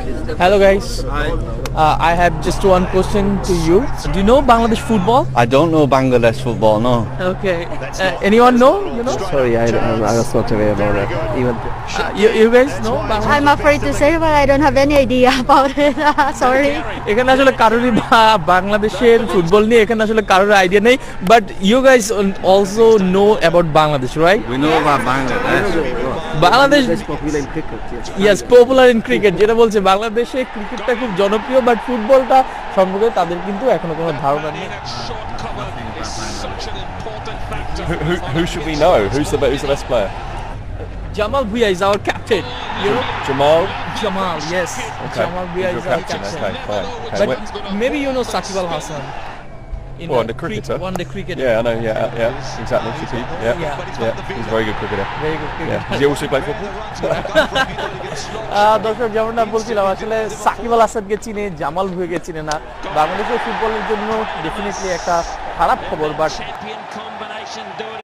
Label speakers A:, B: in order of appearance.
A: Hello guys.
B: Hi.
A: I have just one question to you. Do you know Bangladesh football?
B: I don't know Bangladesh football, no.
A: Okay. Anyone know? You know?
C: Sorry, I don't know. I was not aware about that. Even
A: You guys know Bangladesh?
D: I'm afraid to say, but I don't have any idea about it. Sorry.
A: এখানে আসলে কারোরই বাংলাদেশের football নিয়ে এখানে আসলে কারোর idea নেই, but you guys also know about Bangladesh, right?
B: We know about Bangladesh.
A: Bangladesh
C: that's popular in cricket. Yes.
A: Yes popular in cricket, যেটা বলছে বাংলাদেশে ক্রিকেটটা খুব জনপ্রিয়, বাট ফুটবলটা সম্পর্কে তাদের কিন্তু এখনো কোনো ধারণা নেই।
E: Who should we know? Who's the best player?
A: Jamal Bhia is our captain. You know?
E: Jamal.
A: Jamal, yes.
E: Okay.
A: Jamal Bhia
E: He's
A: is
E: your
A: our
E: captain.
A: captain.
E: Okay, fine. Okay.
A: But maybe you know Saqib Al Hasan.
E: Well, the cricketer.
A: One day cricketer.
E: Yeah, I know. Yeah, exactly. Shakib. Yeah. He's a very good cricketer.
A: Very good cricketer.
E: Yeah. Does he also play football?
A: দর্শক, যেমনটা বলছিলাম, আসলে সাকিব আল হাসানকে চিনে, জামাল ভুঁইয়াকে চিনে না। বাংলাদেশের ফুটবলের জন্য ডেফিনেটলি একটা খারাপ খবর, বাট